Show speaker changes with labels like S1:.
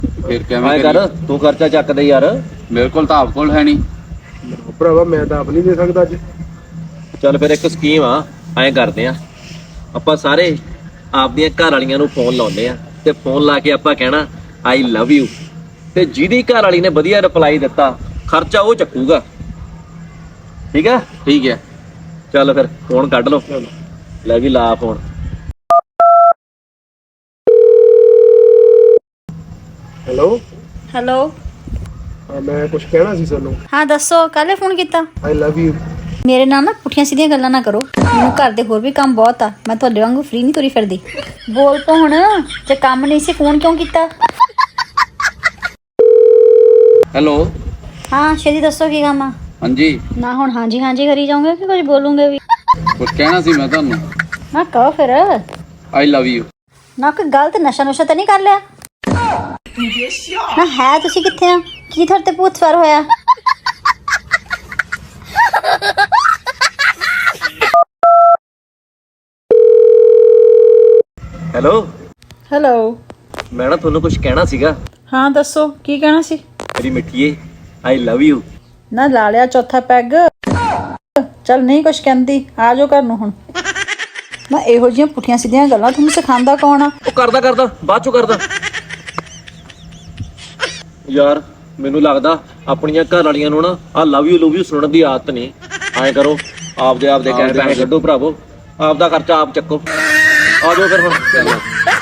S1: ਫਿਰ
S2: ਐਂ
S1: ਕਿਵੇਂ
S2: ਕਰ
S1: ਕਰੀਏ?
S2: ਤੂੰ ਖਰਚਾ ਚੱਕ ਦੇ ਯਾਰ।
S1: ਮੇਰੇ ਕੋਲ ਤਾਂ ਆਪ ਕੋਲ ਹੈ ਨਹੀਂ।
S3: ਭਰਾਵਾ ਮੈਂ ਤਾਂ ਆਪ ਨਹੀਂ ਦੇ ਸਕਦਾ ਅੱਜ।
S2: ਚੱਲ ਫਿਰ ਇੱਕ ਸਕੀਮ ਆ, ਐਂ ਕਰਦੇ ਆ ਆਪਾਂ ਸਾਰੇ ਆਪਦੀਆਂ ਘਰ ਵਾਲੀਆਂ ਨੂੰ ਫੋਨ ਲਾਉਂਦੇ ਆ ਤੇ ਫੋਨ ਲਾ ਕੇ ਆਪਾਂ ਕਹਿਣਾ ਆਈ ਲਵ ਯੂ, ਤੇ ਜਿਹਦੀ ਘਰ ਵਾਲੀ ਨੇ ਵਧੀਆ ਰਿਪਲਾਈ ਦਿੱਤਾ ਖਰਚਾ ਉਹ ਚੱਕੂਗਾ। ਠੀਕ ਆ?
S1: ਠੀਕ ਹੈ।
S2: ਚੱਲ ਫਿਰ ਫੋਨ ਕੱਢ ਲਓ। ਲੈ ਵੀ ਲਾ ਫੋਨ।
S3: Hello,
S4: hello.
S3: ਮੈਂ ਕੁਝ ਕਹਿਣਾ ਸੀ ਤੁਹਾਨੂੰ।
S4: ਹਾਂ ਦੱਸੋ, ਕੱਲ੍ਹ ਫੋਨ ਕੀਤਾ?
S3: I love you.
S4: ਮੇਰੇ ਨਾਲ ਨਾ ਪੁੱਠੀਆਂ ਸਿੱਧੀਆਂ ਗੱਲਾਂ ਨਾ ਕਰੋ। ਮੈਨੂੰ ਘਰ ਦੇ ਹੋਰ ਵੀ ਕੰਮ ਬਹੁਤ ਆ, ਮੈਂ ਤੁਹਾਡੇ ਵਾਂਗੂ ਫ੍ਰੀ ਨਹੀਂ ਤੁਰੀ ਫਿਰਦੀ। ਬੋਲ ਪੋ ਹੁਣ, ਜੇ ਕੰਮ ਨਹੀਂ ਸੀ ਫੋਨ ਕਿਉਂ ਕੀਤਾ?
S1: ਹੈਲੋ।
S4: ਹਾਂ ਛੇਤੀ ਦੱਸੋ ਕੀ ਕੰਮ ਆ।
S1: ਹਾਂਜੀ,
S4: ਨਾ ਹੁਣ ਹਾਂਜੀ ਹਾਂਜੀ ਕਰੀ ਜਾਓਗੇ ਕਿ ਕੁਝ ਬੋਲੂਗੇ ਵੀ?
S1: ਕੁਝ ਕਹਿਣਾ ਸੀ ਮੈਂ ਤੁਹਾਨੂੰ।
S4: ਨਾ ਕਹੋ ਫਿਰ।
S1: I love you.
S4: ਨਾ ਕੋਈ ਗਲਤ ਨਸ਼ਾ ਨੁਸ਼ਾ ਤਾਂ ਨਹੀਂ ਕਰ ਲਿਆ? ਨਾ ਹੈ ਤੁਸੀਂ ਕਿੱਥੇ ਆ? ਕੀ ਤੁਹਾਡੇ ਤੇ ਭੂਤ ਸਵਾਰ ਹੋਇਆ?
S2: Hello,
S5: hello.
S2: ਮੈਂ ਨਾ ਤੁਹਾਨੂੰ ਕੁਝ ਕਹਿਣਾ ਸੀਗਾ।
S5: ਹਾਂ ਦੱਸੋ ਕੀ ਕਹਿਣਾ ਸੀ?
S2: ਮੇਰੀ ਮਿੱਠੀਏ ਆਈ ਲਵ ਯੂ।
S5: ਨਾ ਲਾ ਲਿਆ ਚੌਥਾ ਪੈਗ। ਚੱਲ ਨਹੀਂ ਕੁਛ ਕਹਿੰਦੀ, ਆ ਜਾਓ ਘਰ ਨੂੰ ਹੁਣ। ਨਾ ਇਹੋ ਜਿਹੀਆਂ ਪੁੱਠੀਆਂ ਸਿੱਧੀਆਂ ਗੱਲਾਂ ਤੁਹਾਨੂੰ ਸਿਖਾਉਂਦਾ ਕੌਣ ਆ?
S2: ਉਹ ਕਰਦਾ ਬਾਅਦ ਚੋਂ ਕਰਦਾ। ਯਾਰ ਮੈਨੂੰ ਲੱਗਦਾ ਆਪਣੀਆਂ ਘਰ ਵਾਲੀਆਂ ਨੂੰ ਨਾ ਆ ਲਵ ਯੂ ਸੁਣਨ ਦੀ ਆਦਤ ਨਹੀਂ। ਐਂ ਕਰੋ ਆਪਦੇ ਕਹਿਣ ਪੈਸੇ ਕੱਢੋ ਭਰਾਵੋ, ਆਪਦਾ ਖਰਚਾ ਆਪ ਚੱਕੋ। ਆ ਜਾਓ ਫਿਰ ਹੁਣ।